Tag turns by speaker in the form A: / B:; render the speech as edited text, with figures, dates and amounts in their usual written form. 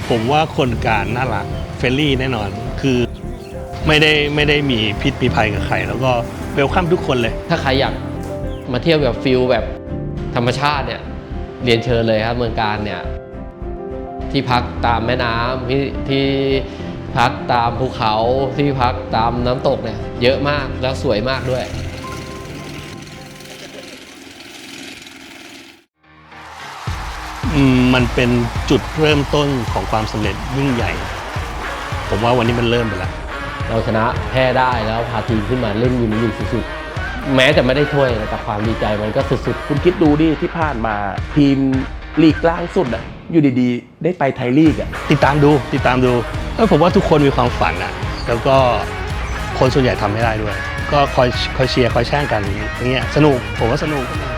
A: ผมว่าคนการน่ารักเฟรนลี่แน่นอนคือไม่ได้มีพิษมีภัยกับใครแล้วก็เวลคัมทุกคนเลย
B: ถ้าใครอยากมาเที่ยวแบบฟิลแบบธรรมชาติเนี่ยเรียนเชิญเลยครับเมืองการเนี่ยที่พักตามแม่น้ำที่พักตามภูเขาที่พักตามน้ำตกเนี่ยเยอะมากแล้วสวยมากด้วย
A: มันเป็นจุดเริ่มต้นของความสำเร็จยิ่งใหญ่ผมว่าวันนี้มันเริ่มไปแล้ว
B: เราชนะแพ้ได้แล้วพาทีมขึ้นมาเล่นอยู่ในลีกสุดๆแม้จะไม่ได้ถ้วยแต่ความดีใจมันก็สุดๆ
C: คุณคิดดูดิที่ผ่านมาทีมลีกล่างสุดอ่ะอยู่ดีๆได้ไปไทยลีกอ่ะ
A: ติดตามดูผมว่าทุกคนมีความฝันอ่ะแล้วก็คนส่วนใหญ่ทำไม่ได้ด้วยก็คอยเชียร์คอยแช่งกันอย่างเงี้ยสนุกผมว่าสนุก